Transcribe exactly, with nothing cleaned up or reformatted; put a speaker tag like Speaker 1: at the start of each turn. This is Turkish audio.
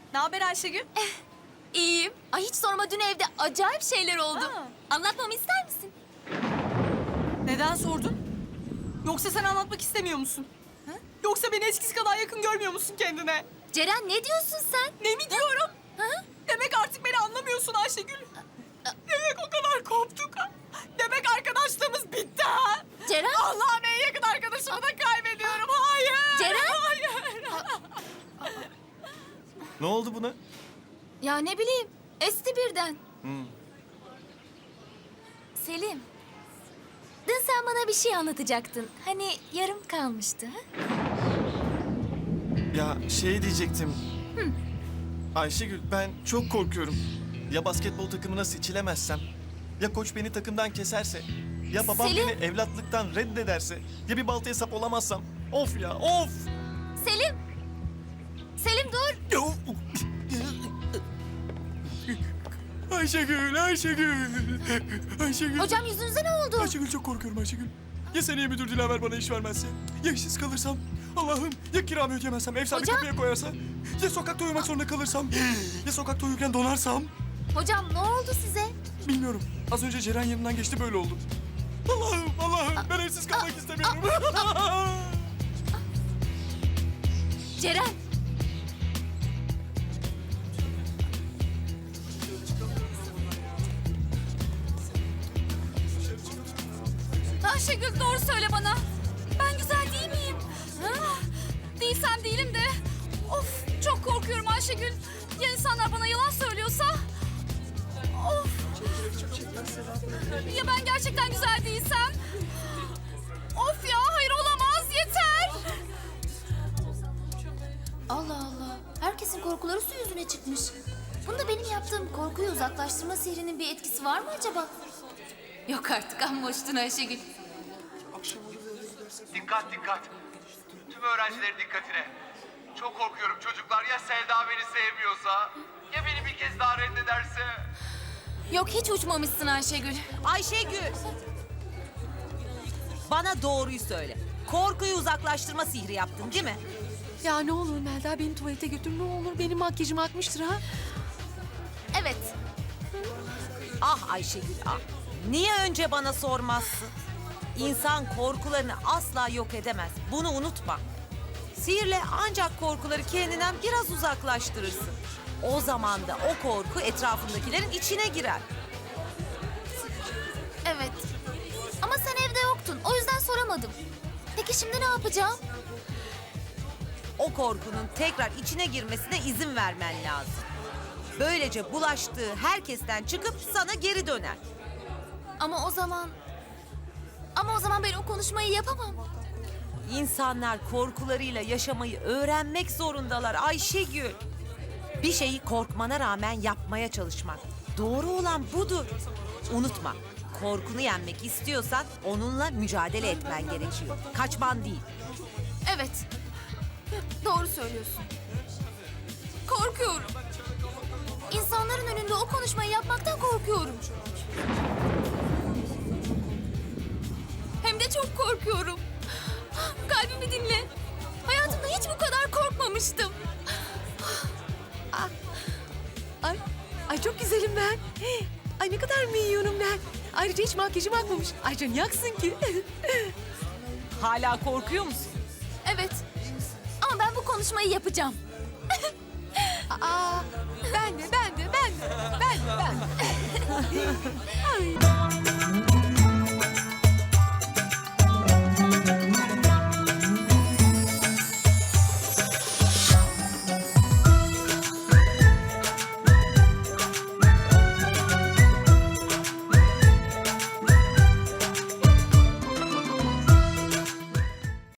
Speaker 1: Ne haber Ayşegül?
Speaker 2: İyiyim. Ay hiç sorma, dün evde acayip şeyler oldu.
Speaker 1: Ha.
Speaker 2: Anlatmamı ister misin?
Speaker 1: Neden sordun? Yoksa sen anlatmak istemiyor musun? Ha? Yoksa beni eskisi kadar yakın görmüyor musun kendine?
Speaker 2: Ceren, ne diyorsun sen?
Speaker 1: Ne mi diyorum?
Speaker 2: Ha?
Speaker 1: Demek artık beni anlamıyorsun Ayşegül. Demek o kadar koptuk ha. Demek arkadaşlığımız bitti ha.
Speaker 2: Ceren?
Speaker 1: Allah'ım en yakın arkadaşımı da kaybediyorum. Hayır.
Speaker 2: Ceren?
Speaker 1: Hayır.
Speaker 3: Ne oldu buna?
Speaker 2: Ya ne bileyim, esti birden.
Speaker 3: Hmm.
Speaker 2: Selim, dün sen bana bir şey anlatacaktın. Hani yarım kalmıştı. Ha?
Speaker 3: Ya şey diyecektim. Ayşegül, ben çok korkuyorum. Ya basketbol takımına seçilemezsem? Ya koç beni takımdan keserse? Ya babam
Speaker 2: Selim.
Speaker 3: beni evlatlıktan reddederse? Ya bir baltaya sap olamazsam? Of ya, of!
Speaker 2: Selim! Selim dur!
Speaker 3: Ayşegül, Ayşegül! Ayşegül!
Speaker 2: Hocam yüzünüze ne oldu?
Speaker 3: Ayşegül, çok korkuyorum Ayşegül. Ya seneye müdür Dilaver bana iş vermezse? Ya işsiz kalırsam? Allah'ım, ya kiramı ödeyemezsem, ev sahibi
Speaker 2: Hocam?
Speaker 3: kapıya koyarsa? Ya sokakta uyumak zorunda kalırsam? Ya sokakta uyurken donarsam?
Speaker 2: Hocam ne oldu size?
Speaker 3: Bilmiyorum. Az önce Ceren yanından geçti, böyle oldu. Allah'ım, Allah'ım, ben evsiz kalmak istemiyorum.
Speaker 2: Ceren!
Speaker 1: Ayşegül doğru söyle bana. Ben güzel değil miyim? Ha? Değilsem değilim de. Of çok korkuyorum Ayşegül. Ya insanlar bana yalan söylüyorsa? Of. Ya ben gerçekten güzel değilsem? Of ya hayır olamaz yeter.
Speaker 2: Allah Allah. Herkesin korkuları su yüzüne çıkmış. Bunda benim yaptığım korkuyu uzaklaştırma sihrinin bir etkisi var mı acaba? Yok artık, amma uçtun Ayşegül.
Speaker 4: Dikkat dikkat. Tüm öğrencilerin dikkatine. Çok korkuyorum çocuklar. Ya Selda beni sevmiyorsa? Ya beni bir kez daha reddederse?
Speaker 2: Yok, hiç uçmamışsın Ayşegül.
Speaker 5: Ayşegül! Bana doğruyu söyle. Korkuyu uzaklaştırma sihri yaptın değil mi?
Speaker 6: Ya ne olur Melda, beni tuvalete götür ne olur. Benim makyajım akmıştır ha.
Speaker 2: Evet.
Speaker 5: Ah Ayşegül ah. Niye önce bana sormazsın? İnsan korkularını asla yok edemez. Bunu unutma. Sihirle ancak korkuları kendinden biraz uzaklaştırırsın. O zaman da o korku etrafındakilerin içine girer.
Speaker 2: Evet. Ama sen evde yoktun. O yüzden soramadım. Peki şimdi ne yapacağım?
Speaker 5: O korkunun tekrar içine girmesine izin vermen lazım. Böylece bulaştığı herkesten çıkıp sana geri döner.
Speaker 2: Ama o zaman... Ama o zaman ben o konuşmayı yapamam.
Speaker 5: İnsanlar korkularıyla yaşamayı öğrenmek zorundalar Ayşegül. Bir şeyi korkmana rağmen yapmaya çalışmak. Doğru olan budur. Unutma, korkunu yenmek istiyorsan onunla mücadele etmen gerekiyor. Kaçman değil.
Speaker 2: Evet. Doğru söylüyorsun. Korkuyorum. İnsanların önünde o konuşmayı yapmaktan korkuyorum. Hem de çok korkuyorum. Kalbimi dinle. Hayatımda hiç bu kadar korkmamıştım.
Speaker 6: Ay, ay çok güzelim ben. Hey, ay ne kadar minyonum ben. Ayrıca hiç makyajım akmamış. Ay can yaksın ki.
Speaker 5: Hala korkuyor musun?
Speaker 2: Evet. Ama ben bu konuşmayı yapacağım.
Speaker 6: Aa, ben de, ben de, ben de, ben de, ben de. Ay.